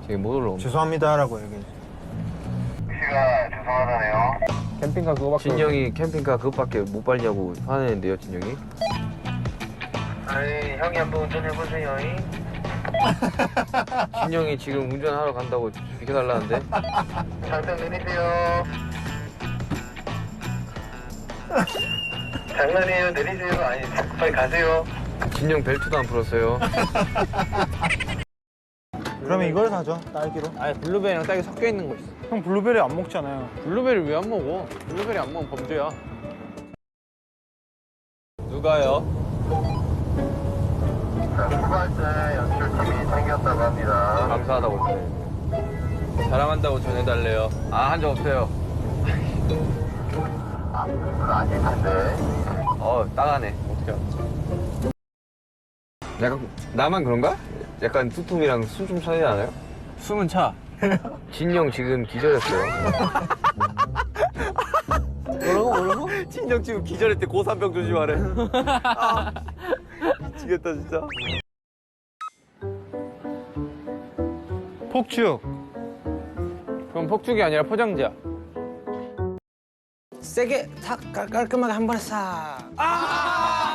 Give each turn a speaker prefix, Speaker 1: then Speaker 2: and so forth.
Speaker 1: 되게 못 올라오네.
Speaker 2: 죄송합니다라고 얘기해.
Speaker 3: 씨가 죄송하다네요.
Speaker 4: 캠핑카 그거밖에.
Speaker 1: 진영이 캠핑카 그것밖에 못 발냐고 화내는데요, 진영이?
Speaker 3: 아니 형이 한번 운전해보세요.
Speaker 1: 진영이 지금 운전하러 간다고 비켜달라는데?
Speaker 3: 장등 내리세요. 장난이에요. 내리세요. 아니 빨리 가세요.
Speaker 1: 진영 벨트도 안 풀었어요.
Speaker 2: 그러면 이걸 사죠. 딸기로.
Speaker 4: 아니 블루베리랑 딸기 섞여 있는 거 있어.
Speaker 2: 형 블루베리 안 먹잖아요.
Speaker 4: 블루베리 왜 안 먹어? 블루베리 안 먹으면 범죄야. 누가요?
Speaker 3: 자, 후발자 연출팀이 생겼다고 합니다.
Speaker 1: 감사하다고 했어요.
Speaker 4: 자랑한다고 전해달래요.
Speaker 1: 아, 한 적 없어요.
Speaker 3: 아, 그건 아닐 텐데.
Speaker 1: 따가네.
Speaker 4: 어떻게 알았지?
Speaker 1: 약간, 나만 그런가? 약간 두툼이랑 숨 좀 차지 않아요?
Speaker 4: 숨은 차.
Speaker 1: 진영 지금 기절했어요.
Speaker 4: 뭐라고?
Speaker 1: 진영 지금 기절했대. 고산병 조심하래. 아, 미치겠다, 진짜.
Speaker 2: 폭죽.
Speaker 4: 그럼 폭죽이 아니라 포장지야.
Speaker 5: 세게 탁 깔끔하게 한 번에 싹.